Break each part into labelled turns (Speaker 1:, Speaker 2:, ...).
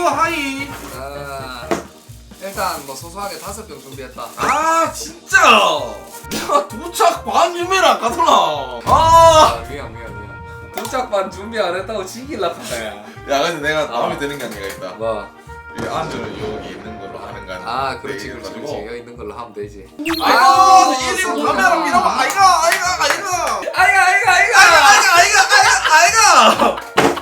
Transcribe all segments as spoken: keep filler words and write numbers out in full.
Speaker 1: 하이.
Speaker 2: 아, 일단 뭐 소소하게 다섯 병 준비했다.
Speaker 1: 아 진짜. 내가 도착 반 준비를 가더라. 아.
Speaker 2: 아 미안 미안 미안. 도착반 준비 안 했다고 지길라 카네.
Speaker 1: 야 근데 내가
Speaker 2: 아.
Speaker 1: 마음에 드는 게 하나가 있다.
Speaker 2: 뭐?
Speaker 1: 이 안주는 여기 있는 걸로 하는 거 아니야?
Speaker 2: 아 그렇지 그렇지 그렇지. 여기 있는 걸로 하면 되지.
Speaker 1: 아이고
Speaker 2: 아이고,
Speaker 1: 일인
Speaker 2: 소리가.
Speaker 1: 카메라 밀어봐. 아이가 아이가 아이가.
Speaker 2: 아이가 아이가 아이가.
Speaker 1: 아이가 아이가 아이가 아이가.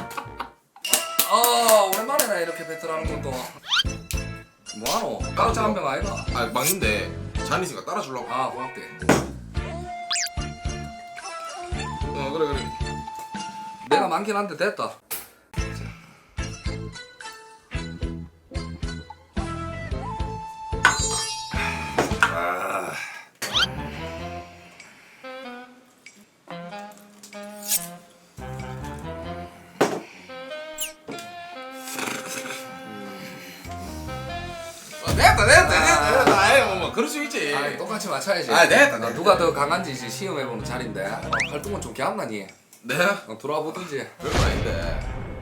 Speaker 2: 어 오랜만이네 이렇게 배틀하는 것도. 뭐하노? 깜짝 한병 아이가?
Speaker 1: 아 맞는데 자니스가 따라주려고.
Speaker 2: 아 고맙게.
Speaker 1: 어 그래 그래.
Speaker 2: 내가 많긴 한데 됐다.
Speaker 1: 아. 아, 됐다 됐다 됐다 됐다. 아이 뭐, 뭐 그럴 수 있지.
Speaker 2: 아 똑같이 맞춰야지.
Speaker 1: 아, 됐다,
Speaker 2: 어,
Speaker 1: 됐다.
Speaker 2: 누가 더 강한지 이제 시험해보는 자리인데. 어, 활동은 좀 개합나니.
Speaker 1: 네?
Speaker 2: 어, 들어와 보든지.
Speaker 1: 별거 아닌데.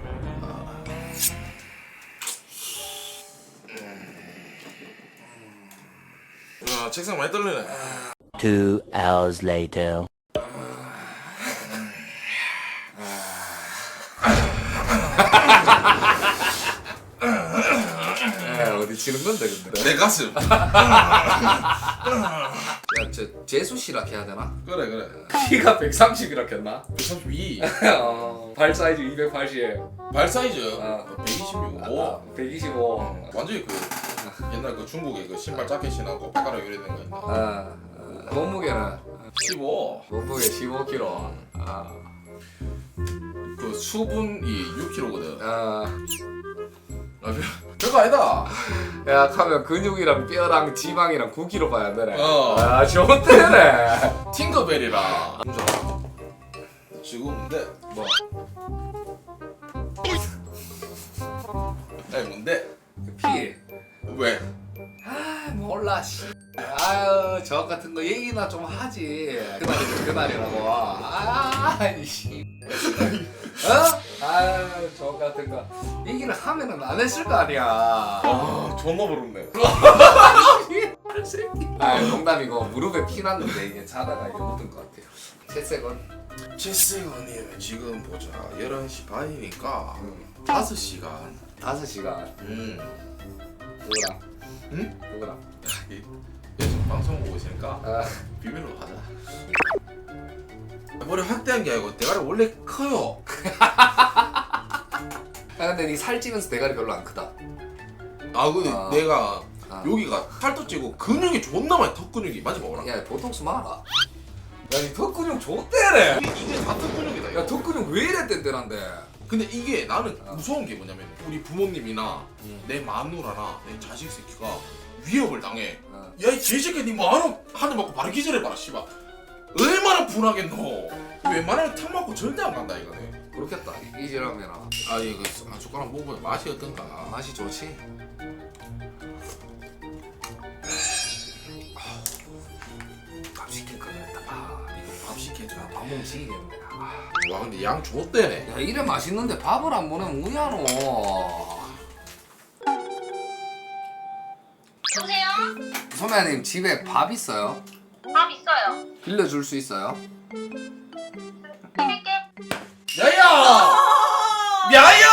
Speaker 1: 아, 책상 많이 떨리네.
Speaker 3: Two hours later.
Speaker 2: 에 어디 치는 건데 근데.
Speaker 1: 내 가슴.
Speaker 2: 야저 재수 씨라 해야 되나?
Speaker 1: 그래 그래.
Speaker 2: 키가 백삼십이라 했나?
Speaker 1: 백삼십이.
Speaker 2: 어, 발 사이즈 이백팔십.
Speaker 1: 발 사이즈
Speaker 2: 아.
Speaker 1: 백이십육.
Speaker 2: 아,
Speaker 1: 오.
Speaker 2: 백이십오.
Speaker 1: 완전히 그 옛날 그 중국의 그 신발 자켓이나고 바가락 요리된 거 있나?
Speaker 2: 아, 아, 몸무게는
Speaker 1: 십오.
Speaker 2: 몸무게 십오 킬로그램. 아,
Speaker 1: 그 수분이 육 킬로그램거든.
Speaker 2: 아,
Speaker 1: 아, 별, 별거 아니다.
Speaker 2: 야 하면 근육이랑 뼈랑 지방이랑 구 킬로그램 봐야 되네.
Speaker 1: 어.
Speaker 2: 아, 좋대네.
Speaker 1: 팅커벨이라. 지금 뭔데?
Speaker 2: 뭐?
Speaker 1: 아니 뭔데?
Speaker 2: 피.
Speaker 1: 왜?
Speaker 2: 아 몰라 씨. 아유 저 같은 거 얘기나 좀 하지. 그날이 그날이라고. 아이씨. 어? 아유 저 같은 거 얘기를 하면은 안 했을 거 아니야.
Speaker 1: 아 존나 부럽네.
Speaker 2: 아 농담이고 무릎에 피 났는데 이게 자다가 이게 묻은 것 같아요. 채색은
Speaker 1: 채세건님 지금 보자. 열한 시 반이니까
Speaker 2: 음,
Speaker 1: 다섯 시간.
Speaker 2: 다섯 시간.
Speaker 1: 음.
Speaker 2: 누구랑?
Speaker 1: 응?
Speaker 2: 누구랑?
Speaker 1: 이- 요즘 방송 보고 있으니까
Speaker 2: 아,
Speaker 1: 비밀로 하자. 머리 확대한 게 아니고 대가리 원래 커요.
Speaker 2: 아 근데 니 살찌면서 대가리 별로 안 크다.
Speaker 1: 아 근데
Speaker 2: 아.
Speaker 1: 내가
Speaker 2: 아.
Speaker 1: 여기가 살도 찌고 근육이 존나 많이 턱 근육이 맞지 봐봐라.
Speaker 2: 야 보톡스 마라. 야니 턱 근육 좋대래.
Speaker 1: 이게, 이게 다 턱 근육이다. 이거.
Speaker 2: 야 턱 근육 왜 이래 뗀뗀한데?
Speaker 1: 근데 이게 나는
Speaker 2: 아.
Speaker 1: 무서운 게 뭐냐면 우리 부모님이나
Speaker 2: 음.
Speaker 1: 내 마누라나 내 자식 새끼가 위협을 당해.
Speaker 2: 어.
Speaker 1: 야 이 개새끼 니 뭐하노? 한 대 맞고 바로 기절해봐라 씨발. 얼마나 분하겠노. 웬만하면 탕 맞고 절대 안 간다 이거네.
Speaker 2: 그렇겠다. 이- 이지라면
Speaker 1: 아 이거 한 숟가락 먹으면 맛이 어떤가.
Speaker 2: 맛이 좋지. 밥 시킬 걸 그랬다. 아, 이거
Speaker 1: 밥 시켜줘.
Speaker 2: 밥 먹으면 지기겠네. 아.
Speaker 1: 와 근데 양 좋대네.
Speaker 2: 야 이래 맛있는데 밥을 안 보내면 뭐야노?
Speaker 4: 여보세요?
Speaker 2: 선배님 집에 밥 있어요?
Speaker 4: 밥 있어요.
Speaker 2: 빌려줄 수 있어요?
Speaker 4: 드릴게.
Speaker 1: 야야! 야야!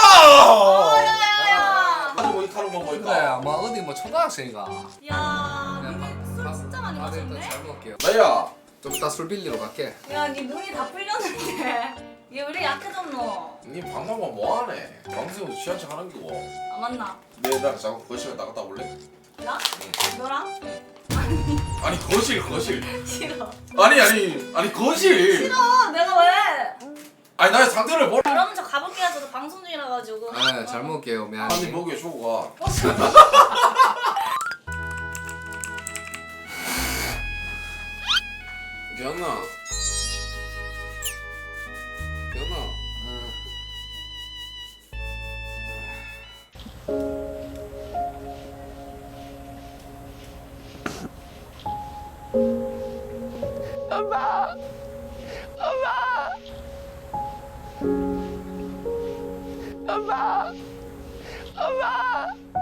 Speaker 4: 야야야.
Speaker 1: 아니 뭐 이카로 뭐
Speaker 2: 그래
Speaker 1: 뭐이까?
Speaker 2: 아마 어디 뭐 초등학생이가.
Speaker 4: 야,
Speaker 2: 그냥 밥-
Speaker 4: 술
Speaker 2: 밥-
Speaker 4: 진짜 많이
Speaker 2: 밥을 일단
Speaker 4: 마셨네.
Speaker 2: 잘 먹을게요.
Speaker 1: 야야!
Speaker 2: 좀 이따 술 빌리러 갈게.
Speaker 4: 야, 네 눈이 다 풀렸는데. 얘 왜 약해졌노?
Speaker 1: 니 방송만 뭐하네? 방송 취한 척 하는 거고.
Speaker 4: 아 맞나?
Speaker 1: 내나 자꾸 거실 나갔다 올래?
Speaker 4: 나? 너랑?
Speaker 1: 아니 거실 거실.
Speaker 4: 싫어.
Speaker 1: 아니 아니 아니 거실.
Speaker 4: 싫어. 내가 왜?
Speaker 1: 아니 나의 상태를 뭘?
Speaker 4: 그러면 저 가볼게요. 저도 방송 중이라 가지고.
Speaker 2: 네, 잘 먹을게요.
Speaker 1: 아니
Speaker 2: 미안해.
Speaker 1: 먹여 주고 가.
Speaker 4: 어, 저-
Speaker 1: 기억나? 기억나?
Speaker 5: 엄마.